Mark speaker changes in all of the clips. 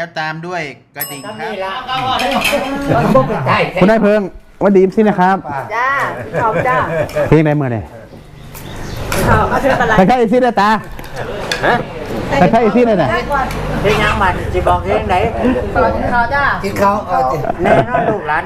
Speaker 1: แล้วตามด้วยกระดิ่งครับ
Speaker 2: คุณนายเพิงวันดีสินะครับ
Speaker 3: จ้าขอบจ้า
Speaker 2: เพลงได้เมื่อไหร่
Speaker 3: ขอบเอาเธออะไร
Speaker 2: ใครๆสิได้ตาใครๆสิได้น่ะ
Speaker 4: เพลงยังมันจะบอกเพลงไหน
Speaker 3: ขอบเขาจ้า
Speaker 4: ที่เขาแน่นอนลูกหลาน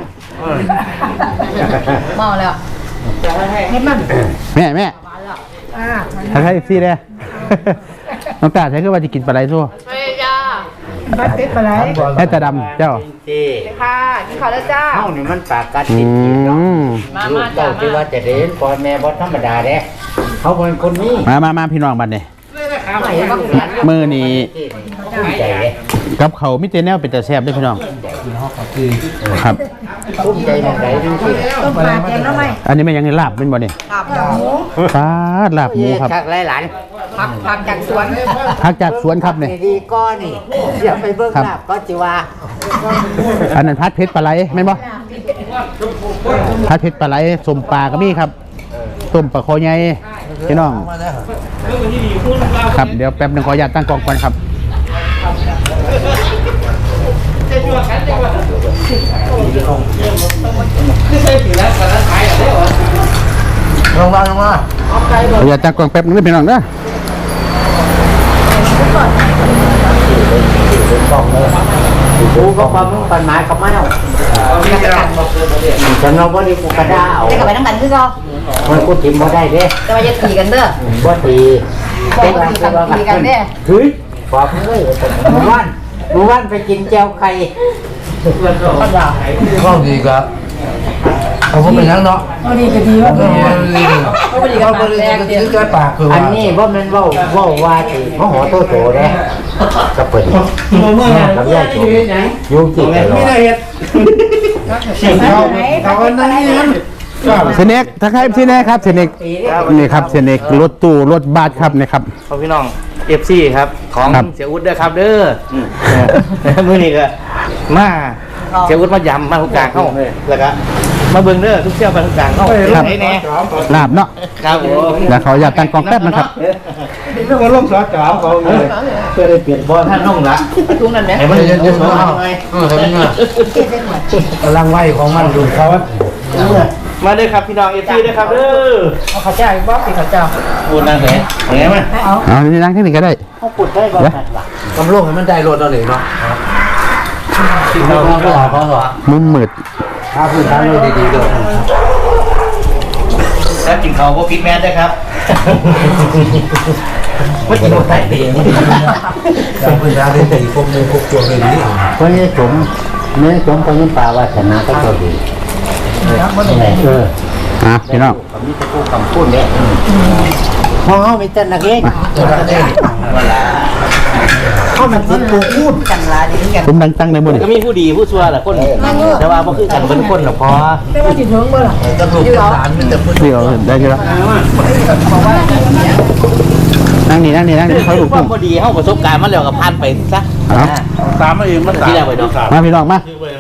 Speaker 3: เมาแล้วเห็นมัน
Speaker 2: แม่ใครๆสิได้น้องตาใช้คือว่าจะกินปลาไหลสู้
Speaker 3: ไม่จ้าบัดติดไปไหน
Speaker 2: แค่ตาดำเจ้า
Speaker 4: ที่
Speaker 3: ค่ะกินข้าวแล้วจ้า
Speaker 4: เฮ้านี่มันปากกัดติดเนาะลูกเต้าที่ว่าจะเด่นพ่อแม่บ่ธรรมดาเด้เขาเป็นคนนี้
Speaker 2: มาพี่น้องบัดนี้มือนี่
Speaker 4: ภูมิใจเลย
Speaker 2: กับเขามิเตแนวเป็นแต่แซ่บด้วยพี่น้องครับ
Speaker 4: ภูมิใจมองไหนดูสิ
Speaker 3: ต้มปลาแกงแล้วไหม
Speaker 2: อันนี้ไม่ยังในลาบเป็นบ่เนี่ย
Speaker 3: ครับหมู
Speaker 2: ปลาลาบหมูครับ
Speaker 4: ชักหลาน
Speaker 3: ผักจากสวน
Speaker 2: พักจากสวนครับเนี่ย
Speaker 4: ดีๆก็นี่อย่าไปเบิ่งหน้าก็จิว่า
Speaker 2: อันนั้นพัดเพชรปลาไหลแม่นบ่พัดเพชรปลาไหลสมปลาก็มีครับต้มปลาคอใหญ่พี่น้องครับเดี๋ยวแป๊บนึงขออนุญาตตั้งกล้องก่อนครับ
Speaker 4: ลงมา
Speaker 2: ขออนุญาตตั้งกล้องแป๊บนึงนะพี่น้องนะ
Speaker 4: กูก็ความมุ่งปันหมายกับมันเอาฉันเราบ่ได้กูกระด้าเอา
Speaker 3: จะกลับไปน้ำกันคือเขา
Speaker 4: มันกูถิ่มบ่ได้เด้
Speaker 3: จะมาจะตีกันเด้อ
Speaker 4: บ่ตี
Speaker 3: ตีกันเด้อ
Speaker 4: เฮ้ยบอกเลยหมู่บ้านไปกินแจ่วไข่
Speaker 5: ก็ดีครับเขาก็เป็นนักเนาะ
Speaker 3: ดีก็ดีว่า
Speaker 5: ก็ดีก็ดีก็แก้ปากคือ
Speaker 4: อั
Speaker 5: ว่าน
Speaker 4: นี้ว่ามันเว้าว่าสิมโหโตโตเด้ก็เปิดกับยายโตอยู่กินกันไม่ได้เฮ็ด
Speaker 5: เขาก็นั่งนี่นั่น
Speaker 2: เซเน็กทักทายเซเน็กครับเซเน็กนี่ครับเซเน็กรถตู้รถบัสครับนี่ครับ
Speaker 1: พ่อพี่น้อง FC ครับของ
Speaker 2: ครับ
Speaker 1: เสียอุดเด้อครับเด้อมื้อนี้ก็มาเสียอุดมายำมาทุกกลางเข้าแล้วก็มาเบิ่งเด้อทุกเที่ยวไปทุกกลางเข้า
Speaker 2: ครับ
Speaker 1: ไหนแน่
Speaker 2: ลาบเนาะ
Speaker 1: ครับผม
Speaker 2: แล้วเขาอยากตั้งกล้องแป๊บนะครับ
Speaker 5: เรื่องร่มสอจอเขาเลย
Speaker 1: เพื่อได้เปลี่ยนบ่ท่านน้องละ
Speaker 3: ตรงนั้นเนี่ย
Speaker 1: ให้มัน
Speaker 5: เดี๋ยวเขาทำยังไงกำลังไหวของมันดูเขา
Speaker 1: มาเด้อครับพี่น้อง FC เด้อครับเด้อ
Speaker 3: เอาข้าวเจ้าอีกบ่สิข้าวเจ้า
Speaker 1: พูดนั่งไหนไหนมา
Speaker 2: เอานี่นั่งที่นี่ก็ได้
Speaker 4: เขาปุดได้บ่ทันว่ะ
Speaker 5: กำลังให้มันได้รถเอาเลยเนาะ
Speaker 4: เขาเหรอ
Speaker 2: มุมมืด
Speaker 5: ถ้าพื้นฐานเราดีๆเลย
Speaker 1: แล้วกินข้าวบ่ผิดแม่นเด้อครับบ่กินบ่ได้เด้
Speaker 5: ถ้าพื้นฐานดีพวกมือพวกตัวเลยดี
Speaker 4: คนนี้สมเนื้อสมคนนี้ป่าวาสนาก็ดี
Speaker 2: พี่น้อง
Speaker 4: ผมมีแต่ผู้คำพูดเนี่ยเพราะเขามีแต่นักเล่น
Speaker 5: ตัวนั้นเอง
Speaker 4: เขามันติดกูพูดกันละดีกัน
Speaker 2: ผมดังตั้งในมือ
Speaker 1: ก็มีผู้ดีผู้ชั่วแหละคนแต่ว่าบ่คือกันเป็นคนหรอกพอ
Speaker 3: ไม่ว่าสิถึงเมื่อไหร่
Speaker 5: จะถูกพื้นฐานมันจะพื้น
Speaker 2: เดี๋ยวได้ทีละนั่งนี่เขาถูก
Speaker 1: ค
Speaker 2: ต้
Speaker 1: วา
Speaker 2: อ
Speaker 1: ม
Speaker 2: ง
Speaker 1: พอดีเฮาประสบการณ์มาแล้วก็ผ่านไปซะ
Speaker 2: เอา
Speaker 1: ตามมาเองมันที่แล้วไปเนาะ
Speaker 2: มาพี่น้องมา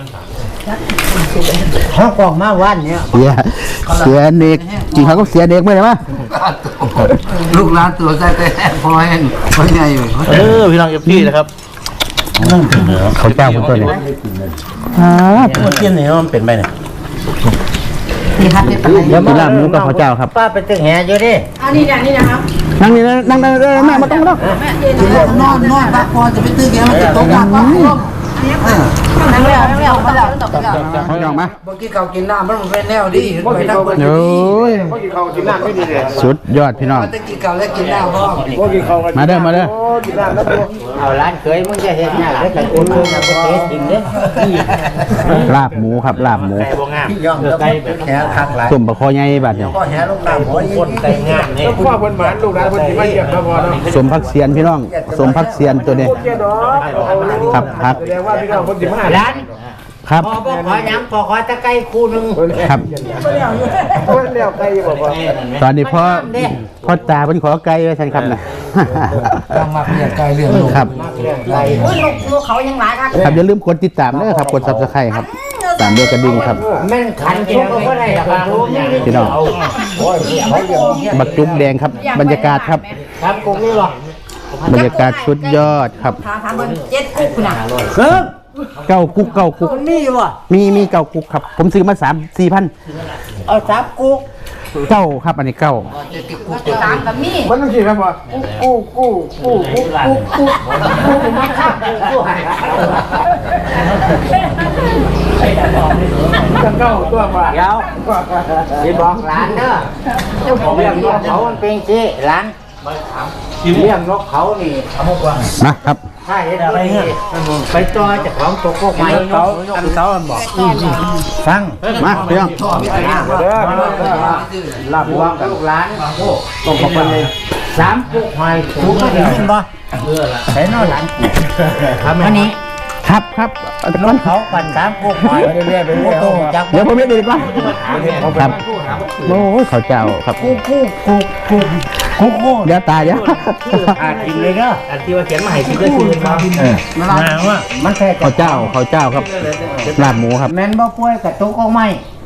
Speaker 4: เขากองมาวันเนี่ย
Speaker 2: เสียเด็กกินเขาก็เสียเด็กไม่ได้มั้ย
Speaker 5: ลูกหลานตัวใจแต่พอแห้งพอใหญ่อยู่
Speaker 1: พี่น้อง FP นะครับ
Speaker 2: เขาเจ้าคนตัวนี้
Speaker 1: มันกินนี่มันเป็นไปเนี่ย
Speaker 3: มีฮัทเป็นอะไร
Speaker 2: แล้วกินลาบหมูกับเขาเจ้าครับ
Speaker 4: ป้าไปตึกแห่อยู่ดิ
Speaker 3: อันนี้นะครับ
Speaker 2: นั่งนี่นั่งแม่มาต้อง
Speaker 5: นอนพักพอจะไปตื้อแกมันจะตกหนักวะ
Speaker 3: นั่งแล้วมาแล้วตกแล้ว
Speaker 2: เขายองมา
Speaker 5: เมื่อกี้เขากินน้ำมันเป็นแนวดีไปนั่งบน
Speaker 2: โอ้ยสุดยอดพี่น้อง
Speaker 5: มันจะกินเก่าแล้วกินน้ำพ่อ
Speaker 2: มาเด้อ
Speaker 4: เอาร้านเคยมึงจะเห็นเนี่ยแล้วแต่กูมึงจะไปเทสจริงเด้
Speaker 2: ลาบหมูครับลาบหมู
Speaker 1: ไก่บ่งาม
Speaker 4: ย่องไก่แบบแห่คักหลาย
Speaker 2: ต้มปลาคอใหญ่บาดเนี่ย
Speaker 4: ก็แห่ลงน้ำหัวคนไก่งามนี่
Speaker 5: พ่อคนหมานลูกหลานคนที่มาเยี่ยมมาพอเนาะ
Speaker 2: สมพักเสียนพี่น้องสมพักเสียนตัวนี้ครับครับ
Speaker 5: แสดงว่าพี่น้องคนที่มา
Speaker 4: ร้าน
Speaker 2: ครับ
Speaker 4: พอบอกขอยังพอขอตะไก่คู่นึง
Speaker 2: ครับ
Speaker 5: คนเลี้ยวไกลบอกว่า
Speaker 2: ตอนนี้พ่อตาเป็นขอไก่ไว้ฉันครับนะ
Speaker 5: ต้องมาเลี้ยงไกลเลี้ยงลูก
Speaker 2: ครับ
Speaker 4: ไก่
Speaker 3: ลูกเขายังหลายครับ
Speaker 2: ครับอย่าลืมกดติดตามด้วยครับกด Subscribe ครับตามด้วยกระดิ่งครับ
Speaker 4: แม่นขันกินก็ได้ครับ
Speaker 2: พี่น้องบักจุ๊บแดงครับบรรยากาศครับ
Speaker 4: ครับกูนี่หรอก
Speaker 2: บรรยากาศสุดยอดครับ
Speaker 3: ถามเบิ่ง7กุ๊กน่ะ
Speaker 2: เก้ากุ๊กเก้ากุ๊ก
Speaker 5: มันมีวะ
Speaker 2: มีเก้ากุ๊กครับ ผมซื้อมา3-4 พัน
Speaker 5: เอา3กุ๊ก
Speaker 2: เก้าครับอันนี้เก้า
Speaker 3: ตามกับมี
Speaker 5: มันต้องกินครับวะกูมาฆ่ากูจะเก้าตัวมาเดี๋ยวจะบอกร้านเด้อเจ้าของเลี้ยงนกเขามันเป็นสิร้านเลี้ยงนกเขานี่
Speaker 2: นะครับ
Speaker 5: ใช่อะไรเงี้ยไปจอยจากของตัวพวกไม้เขาเขาบอกฟัง
Speaker 2: มาเพียง
Speaker 5: ลาบวางกับลูกหลานต้องบอกว่า3กุ๊กหอยถูกไม่ได้ยินบ่ใส่นอหลานอันนี้
Speaker 2: ครับนอน
Speaker 5: เขาปั่น3กุ๊กหอยเรื่อยๆไปเรื่อยๆจัก
Speaker 2: เดี๋ยวผมเรียกดีกว่าครับโอ้ยเขาเจ้าครับ
Speaker 5: กุ๊ก
Speaker 2: เดี๋ยวตายเดี๋ยว
Speaker 5: กินเลยเนาะ
Speaker 1: อันที่ว่าเขียนมาให้คิดก็คือมา
Speaker 5: มาว่ามันแค่
Speaker 2: เขาเจ้าครับลาบหมูครับ
Speaker 5: แม่นบ่ป่วยกับตุ๊กเอาไหม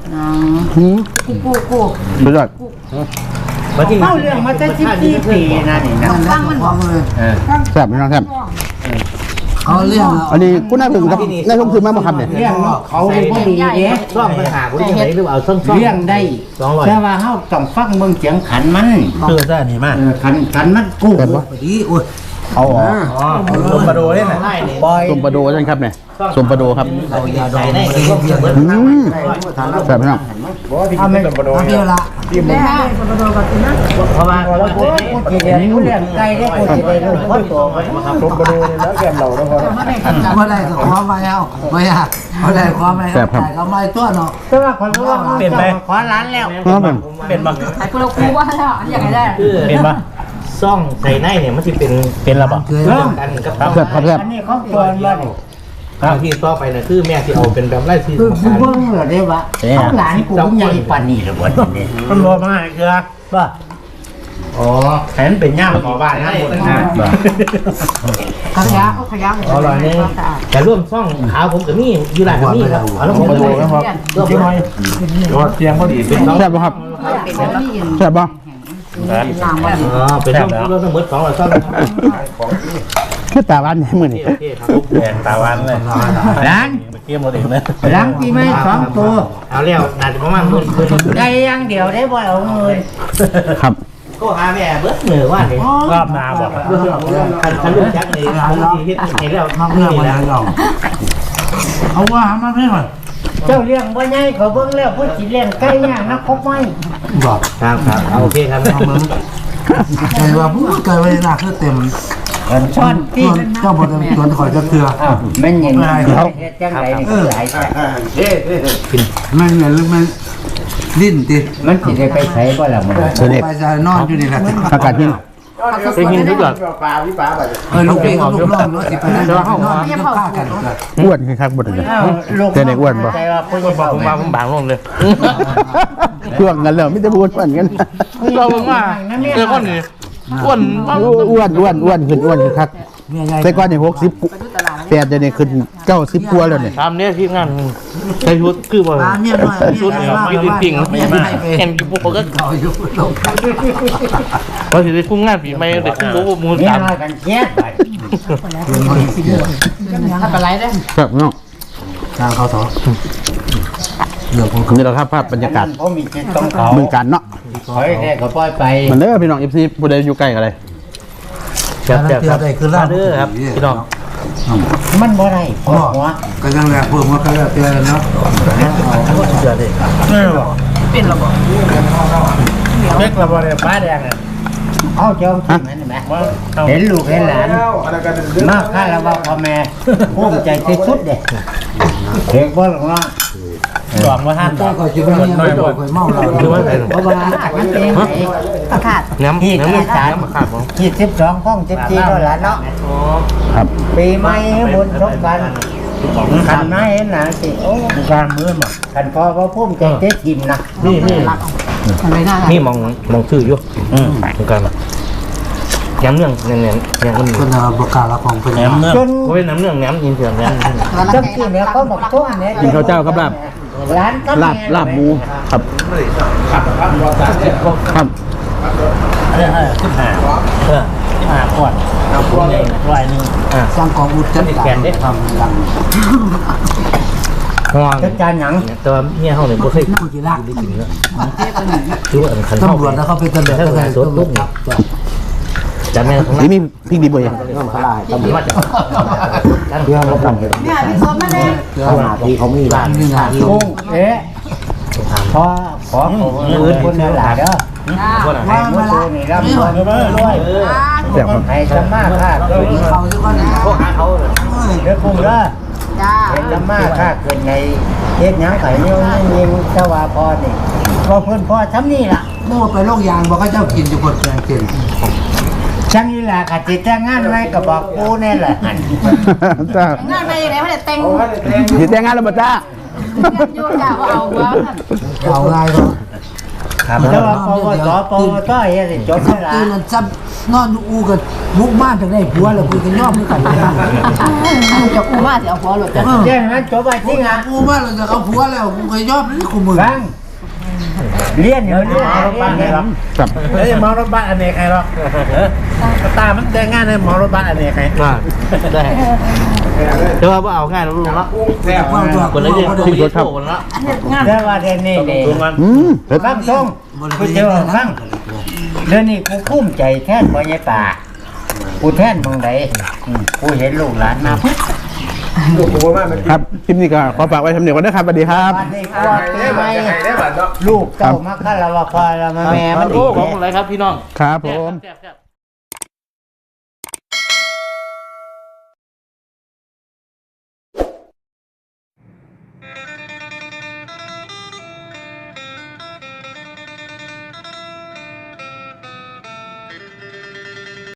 Speaker 3: กู
Speaker 2: สุดยอด
Speaker 1: มาที่
Speaker 5: เข้าเรื่องมาตั้ง14 ปีนะนี่นะ
Speaker 3: ฟังมันบอก
Speaker 2: แซ่บพี่น้องครับ
Speaker 5: เอาเรื่อง
Speaker 2: อันนี้คุณน่าถึงครับน่าชมคือมากบ่ครับเนี่ย
Speaker 5: เรื่องเขาเลยบ่ดีเด้
Speaker 1: ซ่อมปัญหาคุณยังไงหรือเอาซ่อม
Speaker 5: เรื่องได้แต่ว่าเฮาต้องฟังเบิ่งเสียงขันมันขันมันกู้ดีโอ้ยเอาลงมาดูเล่นน่ะปล่อย
Speaker 2: สมปลาโดใช่ครับเนี่ยสมปลาโดครับ
Speaker 1: เอายาดองได้ที่ว่าเบิร์ด
Speaker 2: แซ่บพี่น้อง
Speaker 5: ทำไม่ลงมาดูเดียวละ
Speaker 3: แม่มาโดนกับนะ
Speaker 1: เพราะว่า
Speaker 5: แล้วกูสิเรียนรู้เรื่องไกลได้กูสิได้รู้คนโตมันลงมาดูแล้วแกมเราแล้วพอ
Speaker 6: เมื่อไรก็ความไม่เอาไม่อยากเมื่อไรความไม่เอาแต่ก็ไม่ตัวเนาะ
Speaker 5: แต่ว่าคนรู้ว่าเปลี่ยนไปขอร้านแล้ว
Speaker 1: เป็นบ้าง
Speaker 3: ไอ้กูเราคูว่าแล้วอันอย่างไรได้
Speaker 1: เป็นบ้างซ่องใส่ในเนี่ยมันจะเป็นระบบ
Speaker 6: เคย
Speaker 1: เริ่มกันกับ
Speaker 2: แซ่บครับแซ่บ
Speaker 5: อันนี้เขาตัวว่านี่
Speaker 1: ที่ต่อไปนะคือแม่ที่เอาเป็นแบบไล่ที่
Speaker 5: คือเบิ่งเหรอได้วะเขาหลานกูใหญ่ปานนี้หรือบ่นี่มันบ่มาเกลือว่าอ๋อแผนเป็นย่ามขอบ้านนะหมดนะ
Speaker 3: ขยะขยะ
Speaker 1: อร่อยนึงแต่ร่วมซ่องขาวผมกับนี่อยู่หลายกับนี่ครับเอาแล้วผมดูนะครับร่วมน้อยเสียงพอดีเป็นน้อง
Speaker 2: แซ่บบ่ครับ
Speaker 3: เป็นนี่ยิน
Speaker 2: แซ่บบ่
Speaker 3: น้ำมัน
Speaker 1: เป็นร่วมทั้งหมด2ซ่อง
Speaker 2: คือตาบ้านเนี่ยมื้อนี้
Speaker 1: โอเคครับแดงตาวันเลย
Speaker 5: ร้าน
Speaker 1: เกี่ยมหมดเองเลย
Speaker 5: ร้านปีใหม่2ตัว
Speaker 1: เอาแล้วน่าจะประมาณมื้อ
Speaker 5: ได้อย่างเดียวได้บ่เอาเงิน
Speaker 2: ครับ
Speaker 1: ก็หาแม่เบิดเหนือว่านี่รอบนาบอกคันลูกจักนี่ผมสิเฮ็ดให้แล้ว
Speaker 6: มากเรื่องมาแล้วเราเอาว่ามาไม่หน่อย
Speaker 5: เจ้าเลี้ยงบ่ใหญ่เขาเบิ่งแล้วผู้สิเลี้ยงไก่ย่างนะครบไหม
Speaker 6: บอก
Speaker 1: ครับเอาโอเคครับ
Speaker 6: ใครว่าพูดเกิดเวลาคือเต็ม
Speaker 5: ช้อนที่
Speaker 6: เจ้าบทชวนคอยจะเตือ
Speaker 5: แม่นยังไงจังไดนี่หลาย
Speaker 6: มันเหมือนมันดิ้นติ
Speaker 5: มันสิได้ไปไสบ่ล่ะมัน
Speaker 2: เสด็จ
Speaker 6: ไปจะนอนอยู่นี่แหละ
Speaker 2: อากาศเย็น
Speaker 1: ไปกินทุกอย่าง
Speaker 6: ลูกพี่กับลูกน้องเนาะสิไปนั่งนอนกันฆ่ากัน
Speaker 2: อ้วนครับบ่ได้เลยแต่ในอ้วนบ่
Speaker 5: ใจว่าผู้ใหญ่
Speaker 1: ผมมาผมบางลงเลย
Speaker 2: ช่วงกันแล้วไม่ได้พูดเหมือนกัน
Speaker 1: เราผมว่าเจอคนนี้อ้วน
Speaker 2: อ้วนขึ้นครับ
Speaker 6: เมียใหญ่
Speaker 2: แต่ก่อนนี่60 8เดี๋ยวนี้ขึ้น90กว่าแล้วเนี่ย
Speaker 1: ทำเนี่ยที่งานใช้ชุดคือว่า
Speaker 6: เมียน้อย
Speaker 1: ชุดมีปิ่งเห็นพวกเขาก็
Speaker 6: เขาอยู่ลง
Speaker 1: พอถึงได้คุ้งงานผีไม่ได้คุ้งรู้มูล
Speaker 5: นี่
Speaker 1: ตาม
Speaker 5: น้อยกันเจ็ด
Speaker 3: ถ้าเป็นไรได้
Speaker 2: ครับน้อง
Speaker 6: ทางเขาต่อเรื่องของ
Speaker 2: นี่แหละครับภาพบรรยากาศ
Speaker 5: ผมมีจิตต้องเขา
Speaker 2: เมืองการเนาะ
Speaker 5: ถอยได้ก็ปล่อยไป
Speaker 2: มันเด้อพี่น้อง FC ผู้ใดอยู่ใกล้กันเลย
Speaker 1: เจ็บครับเด้อครับพี่น้อง
Speaker 5: มันบ่ได้ปวดหัว
Speaker 6: ก็ยังแรกเพิ่มมาก็แล้วแต่เนาะ
Speaker 3: เป็นระบบ
Speaker 1: เล็กระบายฟ้าแดงอ่ะ
Speaker 5: เอาเจ้าที่มันแม่เห็นลูกเห็นหลานมาค่าระบาพ่อแม่ภูมิใจที่สุดเด้เด็กบ่หลงว่า
Speaker 1: สองมาห้า
Speaker 6: ก็คอยจะไม่เมาคอยเมาเรา
Speaker 1: คือว่าอะไร
Speaker 5: เพราะว่ามันเป็นไง
Speaker 3: ประกาศ
Speaker 1: น้ำมันขาดผม
Speaker 5: ยี่12ข้อง14แล้วล่ะเนาะ
Speaker 2: ครับ
Speaker 5: ปีใหม่บุญสงกรานต์ขันมาเห็นหลานสิโอ้การมือมาขันพอว่าภูมิใจที่ทีมนะ
Speaker 1: นี่
Speaker 3: รักอะไรน่า
Speaker 1: นี่มองชื่ออยู่เหมือนกันย้ำเรื่องเนี่ยเนี่ยมัน
Speaker 6: คนเราประกาศละของเป็น
Speaker 1: แหนมเนื้อ
Speaker 5: จน
Speaker 1: เขาเป็นน้ำเรื่องแหนมยินเสียงแหนม
Speaker 5: จังที่เนี่ยเขาบอกทุ่มเนี่ย
Speaker 2: กินข้าวเจ้ากับลาบ
Speaker 5: ร้านก็
Speaker 2: ลาบหมูครับครับ
Speaker 1: ขึ้นหา
Speaker 5: ก่อนเอาพวกนี้ร้อยหนึ่ง
Speaker 6: สร้างกองอุดจัด
Speaker 1: แกนได้ทำดังห่วง
Speaker 5: จัดการหยัง
Speaker 1: แต่ว่าเมียเขาเนี่ยบ่เคย
Speaker 6: กูจีรัก
Speaker 1: ได้กินแล้วคือว่าขัน
Speaker 6: ตำรวจแล้วเขาเป็นตำรวจ
Speaker 1: ถ้า
Speaker 6: อะไร
Speaker 1: สดปุ๊บจำแม่ของ
Speaker 2: นี่มีพริกดีบ่อย
Speaker 1: ต้องขลายต้องมาจาก
Speaker 4: เพื่อเราทำเห็น
Speaker 3: เนี่ยพี่สดมาเลย
Speaker 4: ขนาดที่เขามีร้าน
Speaker 6: นี่นะ
Speaker 5: กุ้งขอคนเดียวหลาเด้อ
Speaker 6: ว่างมาละ
Speaker 5: นี่รับรวย
Speaker 2: แซ่บครับ
Speaker 5: ให้สมาค่าเกิน
Speaker 6: เขาทุกคนนะ
Speaker 1: พวกหาเขา
Speaker 5: เด้อกุ้งเด้อ
Speaker 3: จ้า
Speaker 5: ให้สมาค่าเกินในเฮ็ดหยังไก่เนี่ยยิงสว่าพอนี่พอเพิ่นพอทำนี่ล่ะ
Speaker 6: เมื่อไปโรงยางบอกเขาเจ้ากินอยู่บนแกงกิน
Speaker 5: ช่างนี่ล่ะกะจิแต่งงานไว้ก็บอกกูแน่แหละหั่น
Speaker 2: จ้าง
Speaker 3: านไปยังไงไม่ได้เต็ง
Speaker 2: สิแต่งงานแล้วบ่จ้า
Speaker 3: โยกจ้าว่าเอาว่า
Speaker 6: เอาไงก็
Speaker 5: แต่ว่าปวสปวตเฮ็ดให้จบ
Speaker 6: ตื่
Speaker 5: แล้ว
Speaker 6: นแล้วจับนอนอูกันมุกบ้านถึงได้ผัวแล้วคุยกันย่อมด้วยกัน
Speaker 3: จะกูมาจะเอาหัวหลุดจ้ะ
Speaker 5: เรื่องนั้นจบไปจริงอ่ะ
Speaker 6: กูบ้านเราจะเอาผัวแล้วกูก็ย่อมนี่กูมือ
Speaker 5: ฟังเรียนเดี๋ยวเรียนรถบ้านให้หรอก
Speaker 2: ครับ
Speaker 5: เฮ้ยมารถบ้านอเนกใครหรอกตามันแต่งงานให้มารถบ้านอเนกใคร
Speaker 1: ได้แต่ว่าเอาง่ายแล้วลูกเนาะคนละเรื่องชีวิตโตแล้ว
Speaker 5: แต่ว่าเดี๋ยวนี้นี่
Speaker 2: เผ็ด
Speaker 5: ฟังทรงกูเจอฟังเดี๋ยวนี้กูภูมิใจแทนพ่อใหญ่ป่ากูแทนมึงใดกูเห็นลูกหลานมาปุ๊บ
Speaker 2: ครับคลิปนี้ก็ขอฝากไว้ทำเนียก่อนนะครับสวัสดีครับ
Speaker 5: วันนี้กูว่าทำไมลูกเต้ามาคารวะพอแล้วมาแม่มัน
Speaker 1: โอ้ของอะไรครับพี่น้อง
Speaker 2: ครับผม
Speaker 1: แซ่บ